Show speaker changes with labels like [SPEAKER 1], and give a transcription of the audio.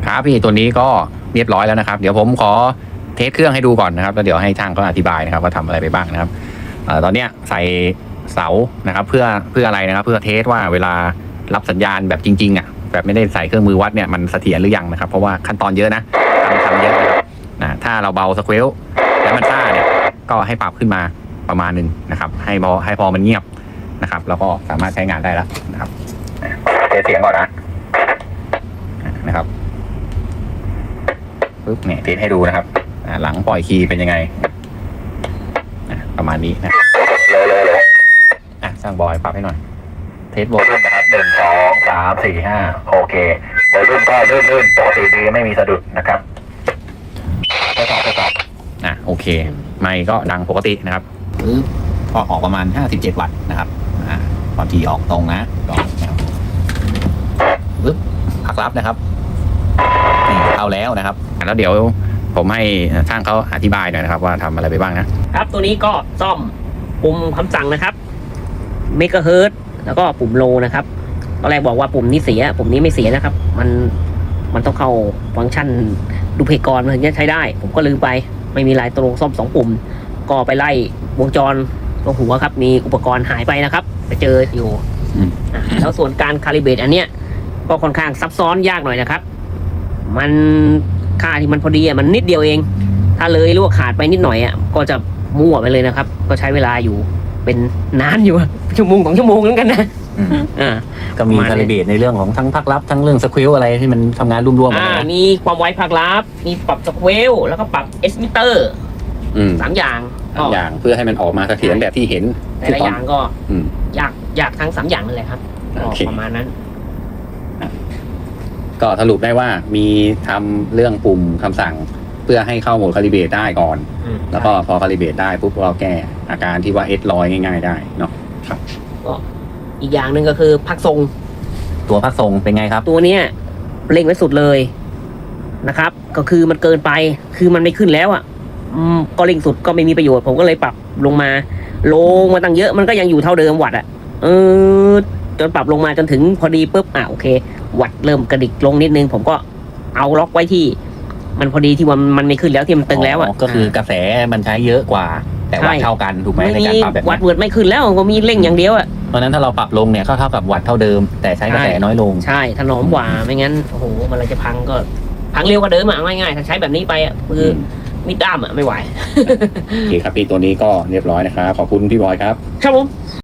[SPEAKER 1] ครับพี่ตัวนี้ก็เรียบร้อยแล้วนะครับเดี๋ยวผมขอเทสเครื่องให้ดูก่อนนะครับแล้วเดี๋ยวให้ช่างเขาอธิบายนะครับว่าทำอะไรไปบ้างนะครับตอนเนี้ยใส่เสานะครับเพื่ออะไรนะครับเพื่อเทสว่าเวลารับสัญญาณแบบจริงๆอ่ะแบบไม่ได้ใส่เครื่องมือวัดเนี่ยมันเสถียรหรือยังนะครับเพราะว่าขั้นตอนเยอะนะทำเยอะนะครับถ้าเราเบาสเควลแล้วมันซ่าเนี่ยก็ให้ปรับขึ้นมาประมาณนึงนะครับให้พอมันเงียบนะครับแล้วก็สามารถใช้งานได้แล้วนะครับเทสเสียงก่อนนะครับปึ๊บเนี่ยเทสให้ดูนะครับหลังปล่อยคีย์เป็นยังไงประมาณนี้นะเลยสร้างบอยปรับให้หน่อยเทสโวลูมนะครับ1 2 3 4 5โอเคโวลูมก็ลื่นปกติดีไม่มีสะดุดนะครับทดสอบโอเคไมค์ก็ดังปกตินะครับปึ๊บก็ออกประมาณ57 วัตต์นะครับความถี่ออกตรงนะก่อนนะครับปึ๊บพักรับนะครับนี่เอาแล้วนะครับแล้วเดี๋ยวผมให้ช่างเขาอธิบายหน่อยนะครับว่าทำอะไรไปบ้างนะครับ
[SPEAKER 2] ตัวนี้ก็ซ่อมปุ่มคำสั่งนะครับเมกะเฮิรตซ์แล้วก็ปุ่มโลนะครับตอนแรกบอกว่าปุ่มนี้เสียปุ่มนี้ไม่เสียนะครับมันต้องเข้าฟังก์ชันดูเพกรมันถึงจะใช้ได้ผมก็ลืมไปไม่มีลายตรงซ่อม2 ปุ่มก็ไปไล่วงจรตรงหัวครับมีอุปกรณ์หายไปนะครับไปเจออยู่แล้วส่วนการคาลิเบรตอันเนี้ยก็ค่อนข้างซับซ้อนยากหน่อยนะครับมันค่าที่มันพอดีมันนิดเดียวเองถ้าเลยหรือว่าขาดไปนิดหน่อยก็จะมั่วไปเลยนะครับก็ใช้เวลาอยู่เป็นนานอยู่ชั่วโมง2 ชั่วโมงเหมือนกันนะ
[SPEAKER 1] ก็มีคาลิเบรตในเรื่องของทั้งภาคลับทั้งเรื่องสควิลอะไรที่มันทำงานรวมๆกัน
[SPEAKER 2] มีความไวภาคลับมีปรับสควิลแล้วก็ปรับเอสมิเตอร์3 อย่าง
[SPEAKER 1] เพื่อให้มันออกมาเสถียรแบบที่เห็น
[SPEAKER 2] แต่ละอย่างก็อยากทั้ง3 อย่างนั่นแหละครับประมาณนั้น
[SPEAKER 1] ก็สรุปได้ว่ามีทำเรื่องปุ่มคำสั่งเพื่อให้เข้าโหมดคาลิเบรตได้ก่อนแล้วก็พอคาลิเบรตได้ปุ๊บเราแก้อาการที่ว่าเอสลอยง่ายๆได้เนาะครับ
[SPEAKER 2] ก็อีกอย่างหนึ่งก็คือพักทรง
[SPEAKER 1] ตัวพักทรงเป็นไงครับ
[SPEAKER 2] ตัวเนี้ยเร่งไว้สุดเลยนะครับก็คือมันเกินไปคือมันไม่ขึ้นแล้วก็เร่งสุดก็ไม่มีประโยชน์ผมก็เลยปรับลงมาตั้งเยอะมันก็ยังอยู่เท่าเดิมวัตต์จนปรับลงมาจนถึงพอดีปุ๊บโอเควัตต์เริ่มกระดิกลงนิดนึงผมก็เอาล็อกไว้ที่มันพอดีที่ว่ามันไม่ขึ้นแล้วที่มันตึงแล้ว
[SPEAKER 1] ก็คือกระแสมันใช้เยอะกว่าแต่วัตต์เท่ากันถูกไหมในการปรับแบบ
[SPEAKER 2] วัตต์เวิร์ดไม่ขึ้นแล้วก็มีเร่งอย่างเดียว
[SPEAKER 1] เพราะนั้นถ้าเราปรับลงเนี่ยก็เท่ากับวัตต์เท่าเดิมแต่ใช้กระแสน้อยลง
[SPEAKER 2] ใช่ถนอมกว่าไม่งั้นโอ้โหมันจะพังก็พังเร็วกว่าเดิมง่ายๆถ้าใช้แบบนี้ไปคือมีดด้ามไม่ไหว
[SPEAKER 1] โอเคครับพี่ตัวนี้ก็เรียบร้อยนะครับขอบคุณพี่บอยครับ
[SPEAKER 2] ครับผม